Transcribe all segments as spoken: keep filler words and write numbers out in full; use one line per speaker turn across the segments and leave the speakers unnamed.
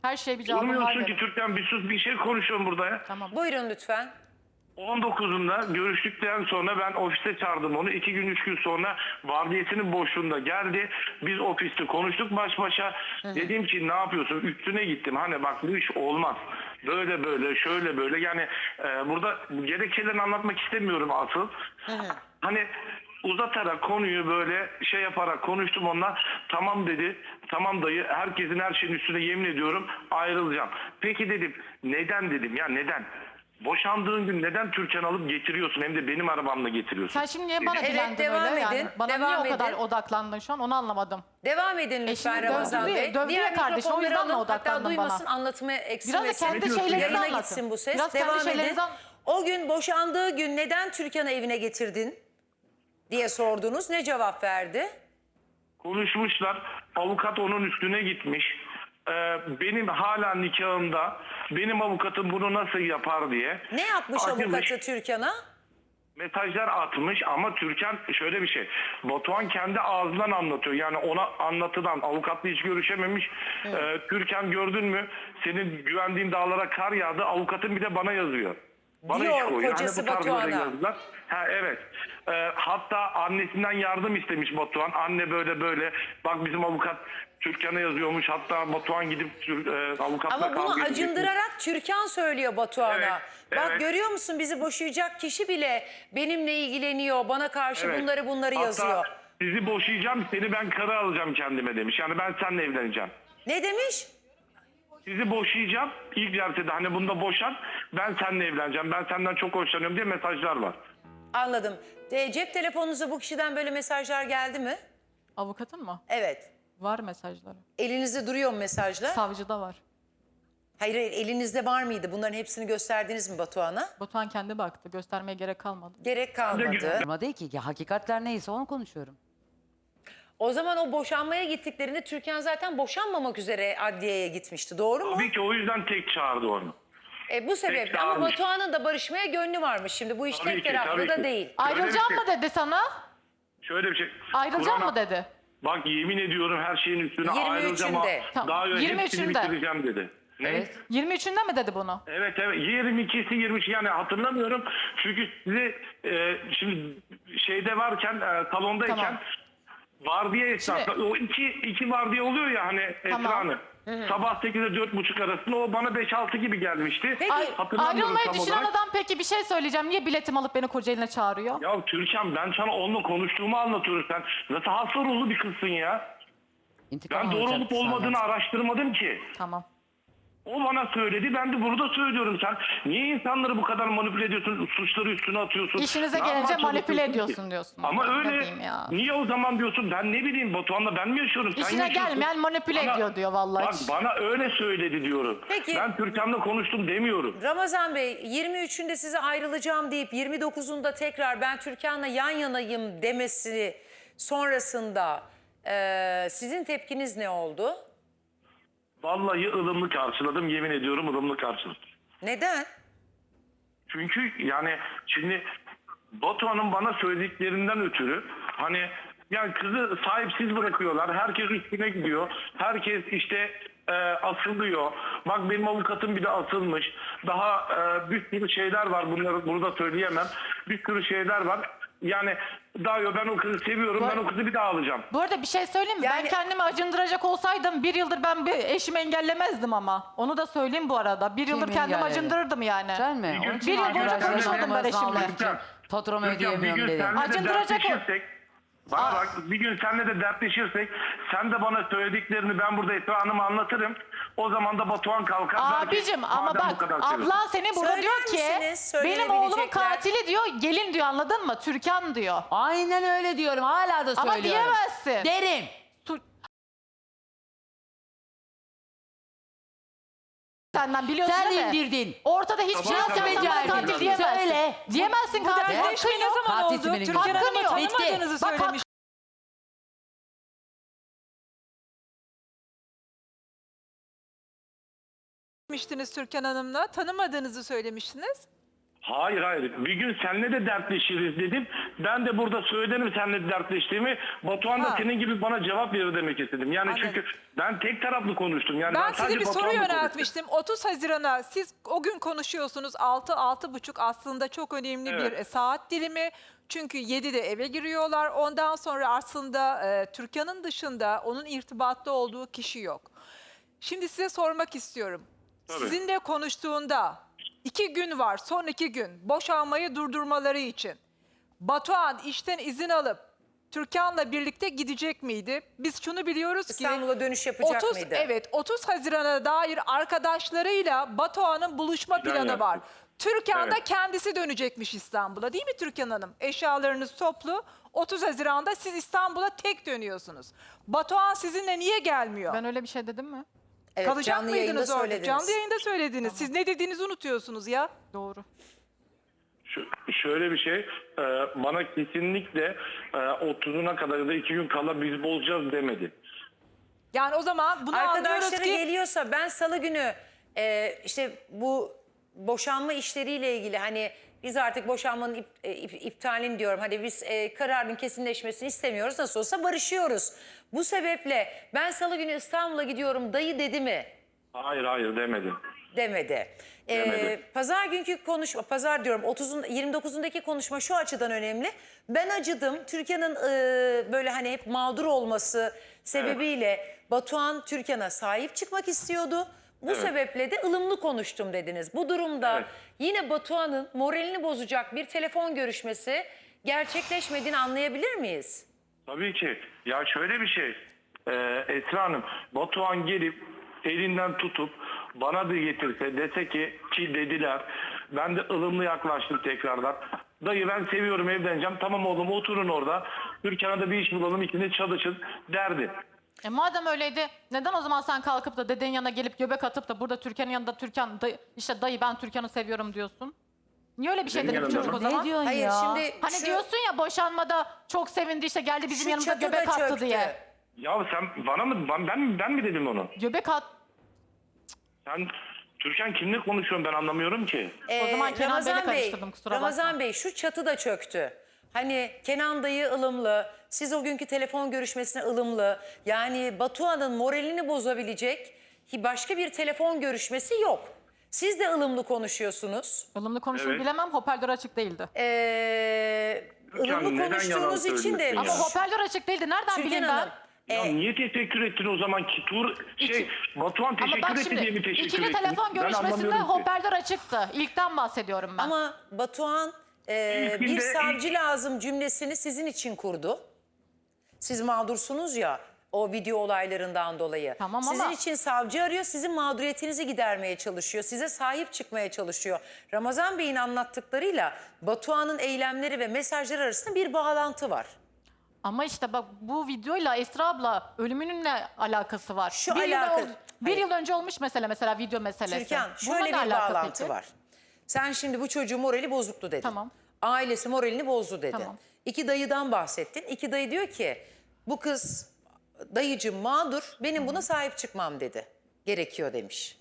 Her şeye bir cevabım var
Durmuyorsun ki
benim.
Türkan, bir sus, bir şey konuşuyorum burada ya.
Tamam.
Buyurun lütfen.
on dokuzunda görüştükten sonra ben ofiste çağırdım onu. İki gün, üç gün sonra vardiyesinin boşluğunda geldi. Biz ofiste konuştuk baş başa. Dedim ki ne yapıyorsun? Üstüne gittim. Hani bak bu iş olmaz. Böyle böyle, şöyle böyle. Yani e, burada gerekçelerini anlatmak istemiyorum asıl. Hani uzatarak konuyu böyle şey yaparak konuştum onunla. Tamam dedi. Tamam dayı, herkesin her şeyin üstüne yemin ediyorum ayrılacağım. Peki dedim. Neden dedim ya, neden? Boşandığın gün neden Türkan alıp getiriyorsun, hem de benim arabamla getiriyorsun?
Sen şimdi niye bana
Evet,
dilendin
devam
öyle
edin,
yani? Bana
devam
niye o kadar
edin.
odaklandın şu an onu anlamadım.
Devam edin lütfen
şimdi
Ramazan
dövdü-
Bey.
dövdü
Diğer
ya kardeşim, o
mikrofonları
yüzden mi
alın. Hatta
odaklandın
duymasın,
bana?
anlatımı
Biraz da
eksilmesin.
kendi
diyorsun?
şeylerinizi
Yayına
anlatın.
gitsin bu ses.
Biraz kendi
Devam edin.
şeylerinizi an-
O gün boşandığı gün neden Türkan'ı evine getirdin diye sordunuz. Ne cevap verdi?
Konuşmuşlar. Avukat onun üstüne gitmiş. Ee, benim hala nikahımda benim avukatım bunu nasıl yapar diye.
Ne yapmış
Acımış,
avukatı Türkan'a?
mesajlar atmış ama Türkan şöyle bir şey. Batuhan kendi ağzından anlatıyor. Yani ona anlatılan, avukatla hiç görüşememiş. Ee, Türkan gördün mü? Senin güvendiğin dağlara kar yağdı. Avukatın bir de bana yazıyor. Bana
Diyor
iş koyuyor.
kocası
Hani bu tarz böyle
Batuhan'a.
yazılar. Ha evet. Ee, hatta annesinden yardım istemiş Batuhan. Anne böyle böyle. Bak bizim avukat Türkan'a yazıyormuş. Hatta Batuhan gidip Tür- e, avukatla
Ama bunu
kavga edecek.
acındırarak Türkan söylüyor Batuhan'a.
Evet,
Bak
evet.
görüyor musun, bizi boşayacak kişi bile benimle ilgileniyor. Bana karşı
Evet.
bunları bunları
Hatta
yazıyor.
sizi boşayacağım, seni ben karı alacağım kendime demiş. Yani ben seninle evleneceğim.
Ne demiş?
Sizi boşayacağım. İlk celsede hani bunda boşan, ben seninle evleneceğim. Ben senden çok hoşlanıyorum diye mesajlar var.
Anladım. E, cep telefonunuza bu kişiden böyle mesajlar geldi mi?
Avukatın mı?
Evet.
Var mesajları.
Elinizde duruyor mu mesajlar?
Savcıda var.
Hayır, hayır, elinizde var mıydı? Bunların hepsini gösterdiniz mi Batuhan'a?
Batuhan kendi baktı. Göstermeye gerek kalmadı.
Gerek kalmadı.
Ama değil ki, ki hakikatler neyse onu konuşuyorum.
O zaman o boşanmaya gittiklerinde Türkan zaten boşanmamak üzere adliyeye gitmişti. Doğru mu?
Tabii ki o yüzden tek çağırdı onu.
E, bu sebeple
Peki,
ama
almış.
Batuhan'ın da barışmaya gönlü varmış. Şimdi bu iş
Tabii
tek
ki,
taraflı
tabii
da
ki.
değil.
Ayrılacağım
bir
mı
şey-
dedi sana?
Şöyle bir şey.
Ayrılacağım
Kur'an'a-
mı dedi?
Bak yemin ediyorum her şeyin üstüne
yirmi
ayrılacağım.
üçünde.
Tamam,
Daha önce
yirmi
hepsini
üçünde.
bitireceğim dedi. Ne?
Evet.
yirmi üçünde mi dedi bunu?
Evet evet, yirmi ikisi yirmi üç, yani hatırlamıyorum çünkü sizi e, şimdi şeyde varken e, salondayken
Tamam.
vardiya esnasında o iki, iki vardiya oluyor ya hani
Tamam.
Esra Hanım. Sabah sekizde dört buçuk arasında o bana beş altı gibi gelmişti.
Peki,
Ay,
Hatırlamıyorum
ayrılmayı
tam
düşünen
olarak.
adam peki bir şey söyleyeceğim. Niye biletimi alıp beni Kocaeli'ne çağırıyor?
Ya Türkan, ben sana onunla konuştuğumu anlatıyorum, sen nasıl hasta ruhlu bir kızsın ya.
İntikam
Ben doğru
alacak
olup
senden.
olmadığını araştırmadım ki.
Tamam.
O bana söyledi, ben de burada söylüyorum. Sen niye insanları bu kadar manipüle ediyorsun, suçları üstüne atıyorsun?
İşinize
Ne
gelince
yapmaya
manipüle
çalışıyorsun
ediyorsun
ki?
diyorsun.
Ama
Ne
öyle,
diyeyim ya?
niye o zaman diyorsun, ben ne bileyim Batuhan'la ben mi yaşıyorum? Sen
İşine
yaşıyorsun.
gelmeyen manipüle
Bana-
ediyor diyor vallahi.
Bak bana öyle söyledi diyorum.
Peki.
Ben Türkan'la konuştum demiyorum.
Ramazan Bey, yirmi üçünde size ayrılacağım deyip yirmi dokuzunda tekrar ben Türkan'la yan yanayım demesi sonrasında e, sizin tepkiniz ne oldu?
Vallahi ılımlı karşıladım, yemin ediyorum ılımlı karşıladım.
Neden?
Çünkü yani şimdi Batuhan'ın bana söylediklerinden ötürü hani yani kızı sahipsiz bırakıyorlar. Herkes üstüne gidiyor. Herkes işte e, asılıyor. Bak benim avukatım bir de asılmış. Daha e, bir sürü şeyler var. Bunları burada söyleyemem. Bir sürü şeyler var. Yani Dayo, ben o kızı seviyorum. Ben o kızı bir daha alacağım.
Bu arada bir şey söyleyeyim mi?
Yani-
Ben kendimi acındıracak olsaydım bir yıldır ben bir eşimi engellemezdim ama. Onu da söyleyeyim bu arada. Bir yıldır
Kim
kendimi
engelledi?
acındırırdım yani.
Sen mi?
Bir
Onun için
yıl boyunca
arkadaşlarına
konuşmadım ben
numarasını
eşimle.
almak için Faturamı
Türkan, bir
ödeyemiyorum
gün
dedi.
seninle de
Acındıracak o.
dertleşirsek, bana bak, bir gün seninle de dertleşirsek sen de bana söylediklerini ben burada Esra Hanım'a anlatırım. O zaman da Batuhan kalkar. der ki,
Abicim ama
"Madem bu
bak
kadar seviyorsun."
abla seni burada
Söyler
diyor ki
misiniz?
benim oğlumun
Söyleyebilecekler.
katili diyor, gelin diyor, anladın mı? Türkan diyor.
Aynen öyle diyorum. Hala da
Ama
söylüyorum.
diyemezsin.
Derim.
Tu- Senden biliyorsun
Sen
değil mi?
indirdin.
Ortada hiçbir şey
Tamam,
yok. Sen
tamam.
bana
Becerdin.
katil diyemezsin.
Söyle.
Diyemezsin
Bu
katil.
dertleşme
Hakkın
ne
yok.
zaman
Katil
oldu?
benim
Türkan
gibi.
Hanım'ı
Hakkın yok.
tanımadığınızı
Bitti. Bak,
söylemiş. Söylemiştiniz Türkan Hanım'la. Tanımadığınızı söylemiştiniz.
Hayır hayır. Bir gün seninle de dertleşiriz dedim. Ben de burada söylerim seninle dertleştiğimi. Batuhan da
Ha.
senin gibi bana cevap verir demek istedim. Yani
Anladım.
çünkü ben tek taraflı konuştum. Yani
Ben
sadece
size bir soru
Batuhan'la konuştum.
yöneltmiştim. otuz Haziran'a siz o gün konuşuyorsunuz. altı altı buçuk aslında çok önemli
Evet.
bir e, saat dilimi. Çünkü yedide eve giriyorlar. Ondan sonra aslında e, Türkan'ın dışında onun irtibatlı olduğu kişi yok. Şimdi size sormak istiyorum.
Tabii.
Sizinle konuştuğunda iki gün var, son iki gün boşanmayı durdurmaları için. Batuhan işten izin alıp Türkan'la birlikte gidecek miydi? Biz şunu biliyoruz ki
İstanbul'a dönüş yapacak
otuz
mıydı?
Evet, otuz Haziran'a dair arkadaşlarıyla Batuhan'ın buluşma
Plan
planı var.
yaptık.
Türkan da
Evet.
kendisi dönecekmiş İstanbul'a, değil mi Türkan Hanım? Eşyalarınız toplu. otuz Haziran'da siz İstanbul'a tek dönüyorsunuz. Batuhan sizinle niye gelmiyor?
Ben öyle bir şey dedim mi?
Evet,
Kalacak
canlı yayında
mıydınız orada?
söylediniz.
Canlı yayında söylediniz. Siz ne dediğinizi unutuyorsunuz ya.
Doğru.
Şu- şöyle bir şey. e, bana kesinlikle e, otuzuna kadar ya da iki gün kala biz bozacağız demedi.
Yani o zaman bunu anlıyoruz
Arkadaşları
ki...
geliyorsa ben salı günü e, işte bu boşanma işleriyle ilgili hani biz artık boşanmanın ip, e, ip- iptalini diyorum. Hani biz e, kararın kesinleşmesini istemiyoruz. Nasıl olsa barışıyoruz. Bu sebeple ben salı günü İstanbul'a gidiyorum dayı dedi mi?
Hayır hayır demedi.
Demedi. Ee,
Demedi.
pazar günkü konuşma, pazar diyorum otuzun, yirmi dokuzundaki konuşma şu açıdan önemli. Ben acıdım. Türkan'ın e, böyle hani hep mağdur olması sebebiyle Batuhan Türkan'a sahip çıkmak istiyordu. Bu
Evet.
sebeple de ılımlı konuştum dediniz. Bu durumda
Evet.
yine Batuhan'ın moralini bozacak bir telefon görüşmesi gerçekleşmediğini anlayabilir miyiz?
Tabii ki. Ya şöyle bir şey. E, Esra Hanım, Batuhan gelip elinden tutup bana da getirse dese ki ki dediler. Ben de ılımlı yaklaştım tekrardan. Dayı ben seviyorum evleneceğim. Tamam oğlum oturun orada. Türkan'a da bir iş bulalım ikiniz çalışın derdi.
E madem öyleydi neden o zaman sen kalkıp da dedenin yanına gelip göbek atıp da burada Türkan'ın yanında Türkan dayı, işte dayı ben Türkan'ı seviyorum diyorsun? Niye öyle bir şey
Benim
dedi bu
yanımda
çocuk
mı?
o zaman?
Ne diyorsun
Hayır
ya?
şimdi
Hani
şu-
diyorsun ya boşanmada çok sevindi işte geldi bizim
şu
yanımıza
çatı da
göbek attı
çöktü.
diye.
Ya sen bana mı ben, ben, ben mi dedim onu?
Göbek at.
Sen Türkan kimle konuşuyorsun ben anlamıyorum ki.
O zaman Kenan Bey'le
Bey,
karıştırdım, kusura
Ramazan
bakma.
Bey şu çatı da çöktü. Hani Kenan dayı ılımlı, siz o günkü telefon görüşmesine ılımlı. Yani Batuhan'ın moralini bozabilecek hi- başka bir telefon görüşmesi yok. Siz de ılımlı konuşuyorsunuz.
Ilımlı konuşur
Evet.
bilemem hoparlör açık değildi.
Ee,
Hocam,
ılımlı
neden
konuştuğunuz
yalan
için de...
söylüyorsun
Ama
ya?
hoparlör açık değildi nereden
Türkan
bileyim
Hanım,
ben?
Ya
e,
niye teşekkür ettin o zaman ki Tur şey Batuhan
Ama
teşekkür
bak
etti
şimdi
diye mi teşekkür
ikili
ettin?
telefon
Ben
görüşmesinde
anlamıyorum ki.
hoparlör açıktı. İlkten bahsediyorum ben.
ama Batuhan e,
İlk
bir
günde
savcı
ilk-
lazım cümlesini sizin için kurdu. Siz mağdursunuz ya o video olaylarından dolayı.
Tamam
Sizin
ama-
için savcı arıyor, sizin mağduriyetinizi gidermeye çalışıyor. Size sahip çıkmaya çalışıyor. Ramazan Bey'in anlattıklarıyla Batuhan'ın eylemleri ve mesajları arasında bir bağlantı var.
Ama işte bak bu videoyla Esra abla ölümünün ne alakası var?
Şu
bir
alaka-
Yıl, ol- bir
Hayır.
yıl önce olmuş mesela mesela video meselesi.
Türkan
Bununla
şöyle
ne
bir
alaka
bağlantı
peki?
var. Sen şimdi bu çocuğun morali bozuktu dedin.
Tamam.
Ailesi moralini bozdu dedin.
Tamam.
İki dayıdan bahsettin. İki dayı diyor ki bu kız dayıcım mağdur benim buna sahip çıkmam dedi. Gerekiyor demiş.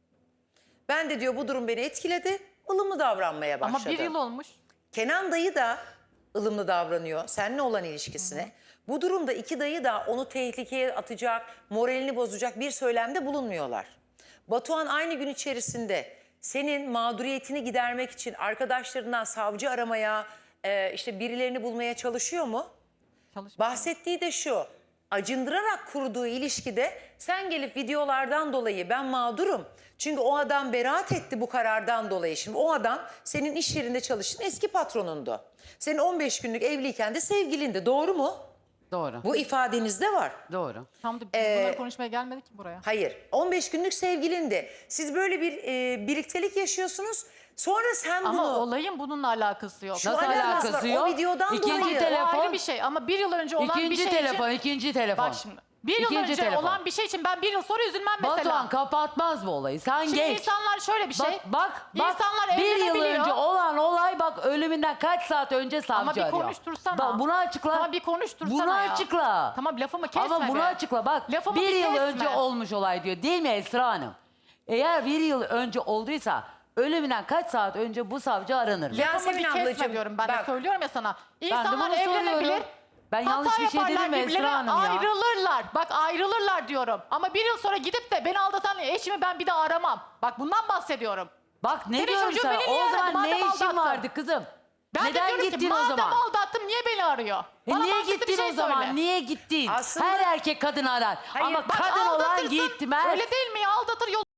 Ben de diyor bu durum beni etkiledi. ılımlı davranmaya başladım.
Ama bir yıl olmuş.
Kenan dayı da ılımlı davranıyor seninle olan ilişkisine. Bu durumda iki dayı da onu tehlikeye atacak, moralini bozacak bir söylemde bulunmuyorlar. Batuhan aynı gün içerisinde senin mağduriyetini gidermek için arkadaşlarından savcı aramaya, e, işte birilerini bulmaya çalışıyor mu?
Çalışmış.
Bahsettiği de şu, acındırarak kurduğu ilişkide sen gelip videolardan dolayı ben mağdurum. Çünkü o adam beraat etti bu karardan dolayı. Şimdi o adam senin iş yerinde çalıştığın eski patronundu. Senin on beş günlük evliyken de sevgilindi, doğru mu?
Doğru.
Bu ifadenizde var.
Doğru.
Tam da biz
Ee,
bunları konuşmaya gelmedik ki buraya.
Hayır, on beş günlük sevgilindi. Siz böyle bir e, birliktelik yaşıyorsunuz. Sonra sen
Ama
bunu...
olayın bununla alakası yok.
Şu
Nasıl
alakası var,
alakası
o
yok?
videodan
İkinci
dolayı.
O
telefon.
ayrı bir şey ama bir yıl önce olan
İkinci
bir şey
telefon,
için...
ikinci telefon.
Bak şimdi bir yıl
İkinci
önce
telefon.
olan bir şey için ben bir yıl sonra üzülmem mesela.
Batuhan kapatmaz bu olayı. Sen
Şimdi
geç.
insanlar şöyle bir şey.
Bak bak bak
İnsanlar
bir yıl
evlenebiliyor.
önce olan olay bak ölümünden kaç saat önce savcı
Ama bir
arıyor.
konuştursana.
Bak bunu açıkla.
Tamam bir konuştursana
Bunu
ya.
açıkla.
Tamam lafımı kesme
Ama bunu
be.
açıkla bak.
Lafımı
bir
bir
yıl
kesme.
önce olmuş olay diyor değil mi Esra Hanım? Eğer bir yıl önce olduysa ölümünden kaç saat önce bu savcı aranır mı?
Ya-
Lafımı
Yasemin
bir kesme
ablacığım,
diyorum. Ben
bak.
de söylüyorum ya sana.
Ben de
İnsanlar
bunu
evlenebilir.
soruyorum. Ben
hata
yanlış bir şey
yaparlar,
dedim mi Esra
birbirlerine
Hanım ya?
ayrılırlar. Bak ayrılırlar diyorum. Ama bir yıl sonra gidip de beni aldatan eşimi ben bir daha aramam. Bak bundan bahsediyorum.
Bak ne
Senin
diyorum
çocuğun
sana?
beni niye
O
aradı?
zaman
Madem
ne işin
aldattın.
vardı kızım?
Ben de
Neden
diyorum ki,
gittin o
madem
zaman?
aldattım niye beni arıyor?
E
Bana
niye
mantıklı bir
gittin
şey
o zaman?
söyle.
Niye gittin?
Aslında-
Her erkek kadın arar. Ama
Bak,
kadın olan
aldatırsın.
gitmez.
Öyle değil mi ya? Aldatır yol.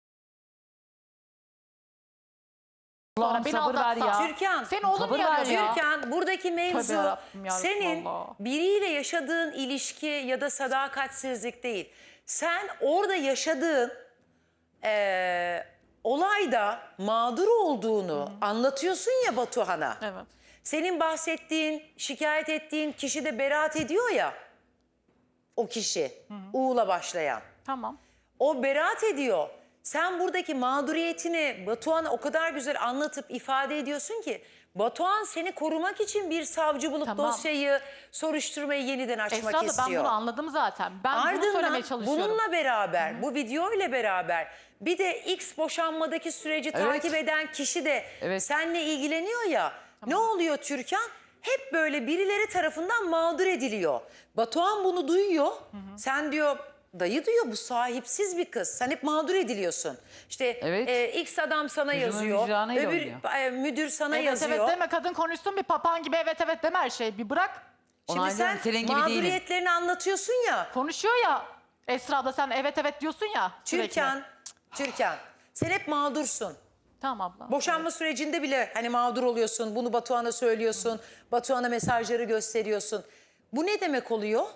Allah'ım
Sonra beni
sabır ver
aldatsa.
ya.
Türkan,
Senin oğlun
sabır
niye
ver
arıyor?
ya.
Türkan, buradaki mevzu
Tövbe yarabbim, ya
senin
Resulallah.
biriyle yaşadığın ilişki ya da sadakatsizlik değil. Sen orada yaşadığın eee, olayda mağdur olduğunu anlatıyorsun ya Batuhan'a.
Evet.
Senin bahsettiğin, şikayet ettiğin kişi de beraat ediyor ya. O kişi, U'la başlayan.
Tamam.
O beraat ediyor. Sen buradaki mağduriyetini Batuhan'a o kadar güzel anlatıp ifade ediyorsun ki Batuhan seni korumak için bir savcı bulup
Tamam.
dosyayı, soruşturmayı yeniden açmak
Esra da
istiyor.
ben bunu anladım zaten. Ben bunu
Ardından
söylemeye çalışıyorum.
bununla beraber, bu video ile beraber bir de X boşanmadaki süreci
Evet.
takip eden kişi de
Evet.
seninle ilgileniyor ya. Ne oluyor Türkan? Hep böyle birileri tarafından mağdur ediliyor. Batuhan bunu duyuyor. Sen diyor dayı diyor bu sahipsiz bir kız. Sen hep mağdur ediliyorsun. İşte
Evet.
e, X adam sana
Yüzümün
yazıyor.
vicdanıyla
Öbür
oynuyor.
e, müdür sana
Evet
yazıyor.
evet deme, kadın konuşsun bir papağan gibi evet evet deme her şeyi. Bir bırak.
Şimdi
Onaylıyorum,
sen
senin gibi değilim.
mağduriyetlerini anlatıyorsun ya.
Konuşuyor ya. Esra da sen evet evet diyorsun ya. sürekli.
Türkan, Türkan sen hep mağdursun.
Tamam abla.
Boşanma sürecinde bile hani mağdur oluyorsun. Bunu Batuhan'a söylüyorsun. Batuhan'a mesajları gösteriyorsun. Bu ne demek oluyor?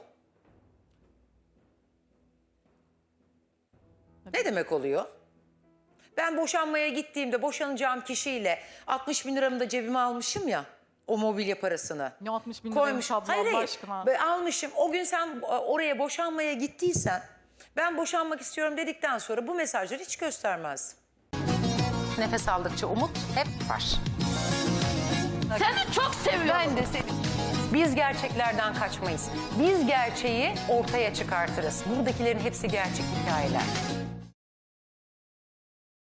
Ne demek oluyor? Ben boşanmaya gittiğimde boşanacağım kişiyle altmış bin liramı da cebime almışım ya. O mobilya parasını.
Ne altmış bin
Koymuş.
liraymış abla
Hayır
Allah
hayır.
aşkına.
Böyle almışım. O gün sen oraya boşanmaya gittiysen ben boşanmak istiyorum dedikten sonra bu mesajları hiç göstermezdim. Nefes aldıkça umut hep var.
Seni çok seviyorum.
Ben de seni. Biz gerçeklerden kaçmayız. Biz gerçeği ortaya çıkartırız. Buradakilerin hepsi gerçek hikayeler.